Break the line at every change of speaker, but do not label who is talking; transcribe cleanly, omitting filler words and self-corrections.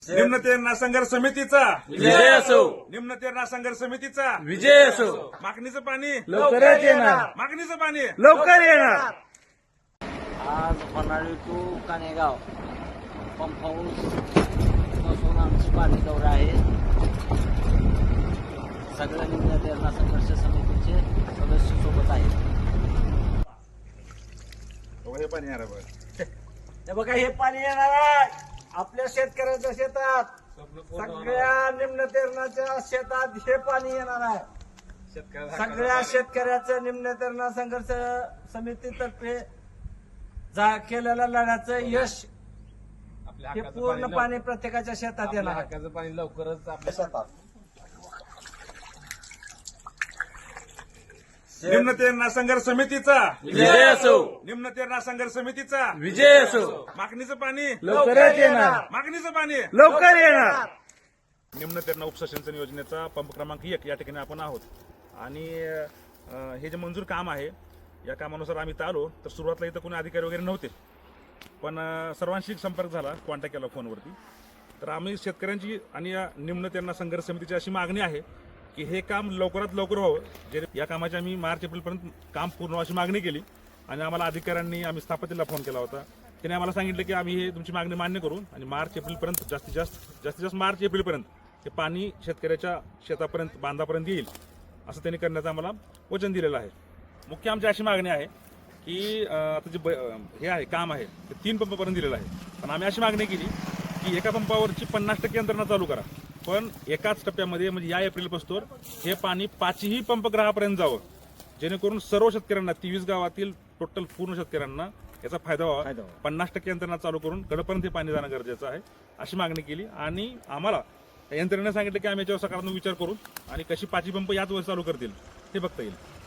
निम्न तेरणा संघर्ष समितीचा
विजय असो.
निम्न तेरणा संघर्ष समितीचा
विजय असो.
मागणीचं पाणी
लवकरच येणार.
मागणीचं पाणी
लवकर येणार.
आज Panhali to Kanegaon pump house पासून आमची पाणी दौरा आहे. सगळ्या निम्न तेरणा संघर्ष समितीचे सदस्य सोबत आहेत.
हे पाणी येणार बघ.
हे बघा, हे पाणी येणार आहे आपल्या शेतकऱ्याच्या शेतात. सगळ्या निम्न तेरणाच्या शेतात हे पाणी येणार आहे. सगळ्या शेतकऱ्याचं निम्न तेरणा संघर्ष समितीतर्फे केलेल्या लढ्याचं यश हे पूर्ण पाणी प्रत्येकाच्या शेतात येणार आहे.
पाणी लवकरच आपल्या
शेतात
निम्न तेरणा संघर्ष समितीचा
विजय असो.
निम्न तेरणा संघर्ष समितीचा
विजय असो.
मागणीचं पाणी
लवकरच येणार.
मागणीचं पाणी
लवकर येणार.
निम्न तेरणा उपसिंचन योजनेचा पंप क्रमांक 1 या ठिकाणी आपण आहोत. आणि हे जे मंजूर काम आहे या कामानुसार आम्ही इथं आलो तर सुरुवातीला इथं कोणी अधिकारी वगैरे नव्हते, पण सर्वांशी संपर्क झाला, कॉन्टॅक्ट केला फोनवरती. तर आम्ही शेतकऱ्यांची आणि या निम्न तेरणा संघर्ष समितीची अशी मागणी आहे की हे काम लवकरात लवकर व्हावं. जे या कामाची आम्ही मार्च एप्रिलपर्यंत काम पूर्ण अशी मागणी केली आणि आम्हाला अधिकाऱ्यांनी, आम्ही स्थापतीला फोन केला होता, त्याने आम्हाला सांगितलं की आम्ही हे तुमची मागणी मान्य करू आणि मार्च एप्रिलपर्यंत जास्तीत जास्त मार्च एप्रिलपर्यंत हे पाणी शेतकऱ्याच्या शेतापर्यंत, बांधापर्यंत येईल असं त्यांनी करण्याचं आम्हाला वचन दिलेलं आहे. मुख्य आमची अशी मागणी आहे की आता जे हे आहे काम आहे ते 3 पंपापर्यंत दिलेलं आहे, पण आम्ही अशी मागणी केली की एका पंपावरची 50% यंत्रणा चालू करा, पण एकाच टप्प्यामध्ये म्हणजे या एप्रिलपासून हे पाणी 5ही पंपग्रहापर्यंत जावं, जेणेकरून सर्व शेतकऱ्यांना 23 गावातील टोटल पूर्ण शेतकऱ्यांना याचा फायदा व्हावा. 50% यंत्रणा चालू करून कडपर्यंत हे पाणी जाणं गरजेचं आहे अशी मागणी केली. आणि आम्हाला यंत्रणेने सांगितलं की आम्ही याच्यावर सकारात्मक विचार करू आणि कशी 5ही पंप याच वेळेस चालू करतील हे बघता येईल.